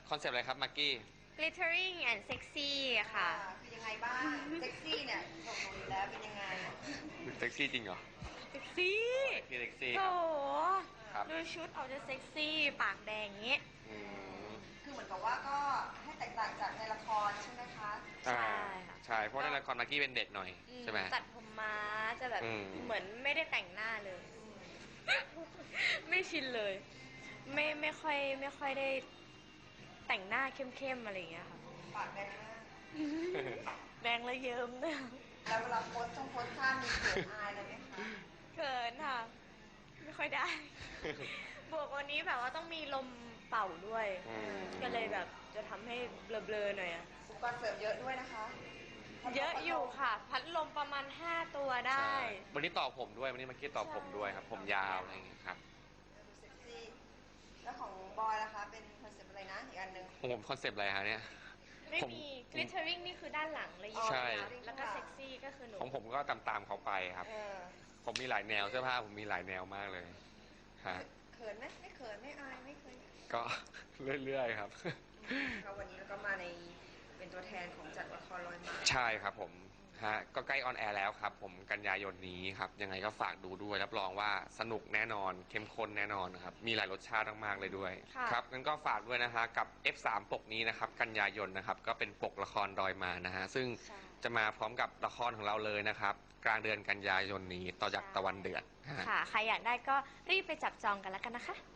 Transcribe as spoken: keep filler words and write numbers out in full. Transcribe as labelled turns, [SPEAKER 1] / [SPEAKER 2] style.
[SPEAKER 1] คอนเซปต์อะไรครับมากกี้
[SPEAKER 2] glittering and sexy ค่ะ
[SPEAKER 3] คือยังไงบ้างเซ็กซี่เนี่ยส่งหนูอยู่แล้วเป็นยังไง
[SPEAKER 1] เซ็กซี่จริงเหรอ
[SPEAKER 2] เซ็กซี่
[SPEAKER 1] พี่เซ็กซี่
[SPEAKER 2] โอ้
[SPEAKER 1] ครับ
[SPEAKER 2] ดูชุดออกจะเซ็กซี่ปากแดงอย่างงี้
[SPEAKER 1] อืม
[SPEAKER 3] คือเหมือนกับว่าก็ให้แตกต่างจากในละครใช่ไหมคะ
[SPEAKER 2] ใช่
[SPEAKER 1] อ่า
[SPEAKER 2] ค่ะ
[SPEAKER 1] ใช่เพราะในละครมากกี้เป็นเด็กหน่อย
[SPEAKER 2] อืม
[SPEAKER 1] ใช่ไหม
[SPEAKER 2] ตัดผมม้าจะแบบ
[SPEAKER 1] อืม
[SPEAKER 2] เหมือนไม่ได้แต่งหน้าเลย ไม่ชินเลย ไม่ไม่ค่อยไม่ค่อยได้แต่งหน้าเข้มๆอะไรอย่างเงี้ยค่ะ
[SPEAKER 3] ปากแดงมาก
[SPEAKER 2] แดงและเยิ้มเนี่ย
[SPEAKER 3] แล้วเวลาโพสต์ต้องโพสต์ท่ามีเขินอายเลยไหมคะ
[SPEAKER 2] เขินค่ะ ไม่ค่อยได้ บวกวันนี้แบบว่าต้องมีลมเป่าด้วย
[SPEAKER 1] อืม
[SPEAKER 2] ก็เลยแบบจะทำให้เบลอๆหน่อยอะ
[SPEAKER 3] อุปกรณ์เสริมเยอะด้วยนะคะ
[SPEAKER 2] เยอะอยู่ค่ะ พัดลมประมาณห้าตัวได้
[SPEAKER 1] ใช่วันนี้ต่อผมด้วยวันนี้มากกี้ต่อผมด้วยครับ ผมยาวอะไรอย่างเงี้ยครับ
[SPEAKER 3] ดูเซ็กซี่ แล้วของบอยล่ะคะ เป็นคอนเซ็ปต์อะไรนะอีกอันหนึ่ง
[SPEAKER 1] ของผมคอนเซปต์อะไรฮะเนี่ย
[SPEAKER 2] ไม่
[SPEAKER 1] ผม
[SPEAKER 2] มี glittering นี่คือด้านหลังเลย
[SPEAKER 1] ใช่
[SPEAKER 2] แล้วก็เซ็กซี่ก็คือหนู
[SPEAKER 1] ของผมก็ตามตามๆเขาไปครับ
[SPEAKER 3] เออ
[SPEAKER 1] ผมมีหลายแนวเสื้อผ้าผมมีหลายแนวมากเลยฮะ
[SPEAKER 3] เขินไหมไม่เขินไม่อายไม่เคย
[SPEAKER 1] ก็ เรื่อยๆครับ
[SPEAKER 3] ก็วันนี้เราก็มาในเป็นตัวแทนของจัดละครลอยมา
[SPEAKER 1] ใช่ครับผมฮะก็ใกล้ออนแอร์แล้วครับ ผมกันยายนนี้ครับ ยังไงก็ฝากดูด้วยรับรองว่าสนุกแน่นอนเข้มข้นแน่นอนครับ มีหลายรสชาติมากๆเลยด้วย
[SPEAKER 2] ค่ะ
[SPEAKER 1] ครับงั้นก็ฝากด้วยนะฮะกับ เอฟ สาม ปกนี้นะครับ กันยายนนะครับ ก็เป็นปกละครดอยมานะฮะซึ่ง
[SPEAKER 2] ใช่
[SPEAKER 1] จะมาพร้อมกับละครของเราเลยนะครับ กลางเดือนกันยายนนี้ต่อจากตะวันเดือดฮะ
[SPEAKER 2] ค่ะ ใครอยากได้ก็รีบไปจับจองกันแล้วกันนะคะ